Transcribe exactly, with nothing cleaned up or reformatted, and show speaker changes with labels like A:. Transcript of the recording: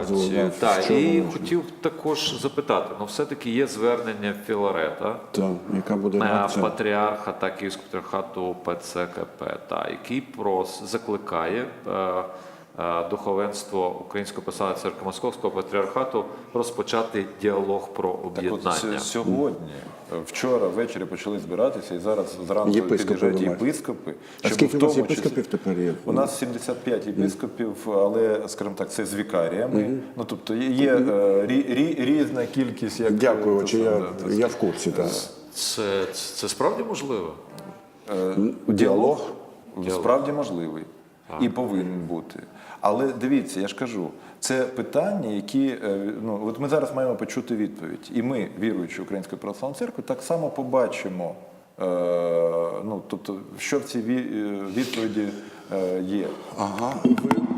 A: одразу знав,
B: Так,
A: що
B: і
A: воно.
B: хотів також запитати, ну все-таки є звернення Філарета,
A: Так, яка буде
B: е,
A: реакція?
B: патріарха та Київського патріархату ПЦКП, та, який прос закликає е, е, духовенство Української православної церкви Московського патріархату розпочати діалог про
C: Так от
B: об'єднання.
C: с- сьогодні, вчора ввечері почали збиратися, і зараз зранку
A: Єпископи
C: під'їжджають
A: ви маєте.
C: єпископи.
A: А
C: щоб
A: скільки
C: в
A: у вас
C: тому
A: єпископів
C: числі-
A: тепер є?
C: У нас сімдесят п'ять єпископів, але, скажімо так, це з вікаріями. Ну, тобто є е, рі, рі, різна кількість. Як,
A: Дякую,
C: е,
A: чи
C: те
A: я,
C: саме, да,
A: я в курсі. Так.
B: Це, це, це справді можливо?
C: Е,
A: Діалог?
C: Справді можливий і повинен бути. Але дивіться, я ж кажу, це питання, які е, ну от ми зараз маємо почути відповідь, і ми, віруючи Української православної церкви, так само побачимо, е, ну тобто, що в цій ві- е, відповіді е, є.
A: Ага. Ви